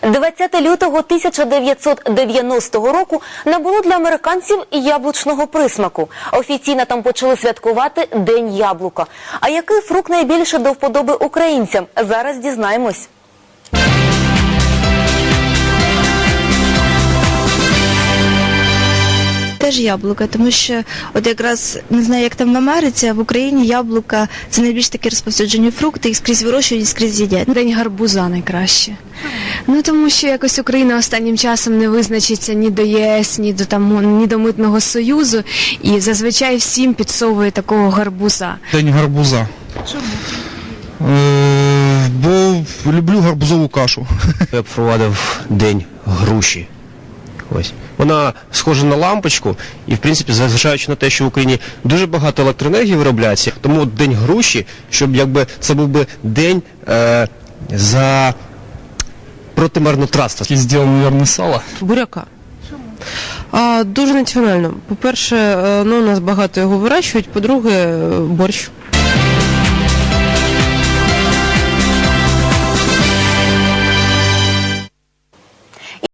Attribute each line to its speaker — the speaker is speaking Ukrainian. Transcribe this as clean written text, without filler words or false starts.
Speaker 1: 20 лютого 1990 року набуло для американців яблучного присмаку. Офіційно там почали святкувати День яблука. А який фрукт найбільше до вподоби українцям? Зараз дізнаємось.
Speaker 2: Теж яблука, тому що от якраз, не знаю, як там в Америці, а в Україні яблука – це найбільш такі розповсюджені фрукти, їх скрізь вирощують і скрізь їдять.
Speaker 3: День гарбуза найкраще. Ну, тому що якось Україна останнім часом не визначиться ні до єС, ні до Митного Союзу, і зазвичай всім підсовує такого гарбуза.
Speaker 4: День гарбуза.
Speaker 3: Чому?
Speaker 4: Бо люблю гарбузову кашу.
Speaker 5: Я б впровадив День груші. Ось. Вона схожа на лампочку і, в принципі, зважаючи на те, що в Україні дуже багато електроенергії виробляється, тому День груші, щоб якби це був би день за проти марнотратства.
Speaker 4: Я зробив, мабуть, сало.
Speaker 6: Буряка. Дуже національно. По-перше, у нас багато його вирощують, по-друге, борщ.